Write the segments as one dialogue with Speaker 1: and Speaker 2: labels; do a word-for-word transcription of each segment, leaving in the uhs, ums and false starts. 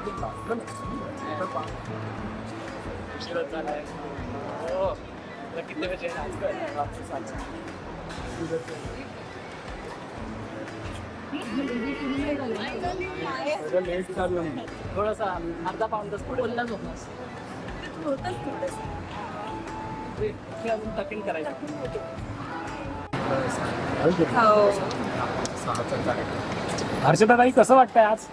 Speaker 1: उशीरच झालाय. हो. तुला किती वेळ जेवण आज कर? लेट झालं. थोडासा अर्धा पाऊण तास पुढे बोलला झोपलास. होतच थोडंसं. अजून टकिंग करायचं. हर्षदाताई कसं वाटतंय आज?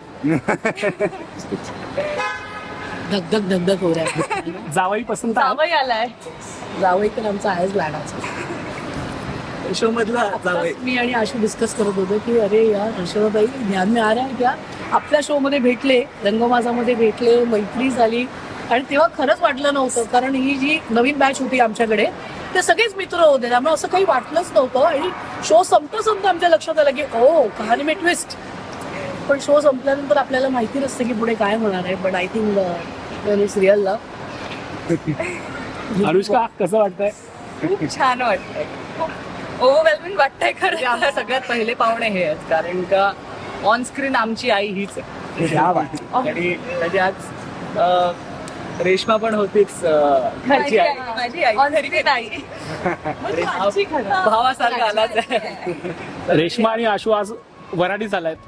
Speaker 2: धगधग धगधग हो रहा है.
Speaker 1: जावई पसंत
Speaker 3: जावई आलाय.
Speaker 2: जावई तर आमचा आहेच लाडाचा.
Speaker 1: शो मधला जावई.
Speaker 2: आत्ताच मी आणि आशू डिस्कस करत होतो की अरे यार हर्षदाताई ध्यान में आ रहा है क्या, आपल्या शो मध्ये भेटले, रंगमाजामध्ये भेटले, मैत्री झाली आणि तेव्हा खरंच वाटलं नव्हतं कारण ही जी नवीन बॅच होती आमच्याकडे ते सगळेच मित्र होते त्यामुळे असं काही वाटलंच नव्हतं आणि शो संपता संपता आमच्या लक्षात आलं की ओ कहाणी में ट्विस्ट. पण शो संपल्यानंतर आपल्याला माहिती नसतं की पुढे काय होणार आहे. But I think it's real love.
Speaker 1: Anushka कसं वाटतंय?
Speaker 3: खूप छान वाटतंय. खूप ओव्हरवेल्मिंग वाटतंय
Speaker 1: म्हणजे
Speaker 3: खरं.
Speaker 1: आमच्या सगळ्यात पहिले पाहुणे हे आहेत कारण का ऑन स्क्रीन आमची आई हीच आहे. आणि म्हणजे आज अं, रेश्मा पण होतीच अं, घरची आई.
Speaker 3: माझी आई घरी नाही. माझी खरं.
Speaker 1: भावासारखा आलाच आहे. रेश्मा आणि आशू आज वराडी झालायत.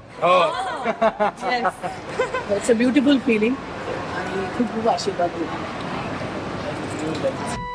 Speaker 2: इट्स अ ब्युटिफुल फिलिंग आणि खूप खूप आशीर्वाद.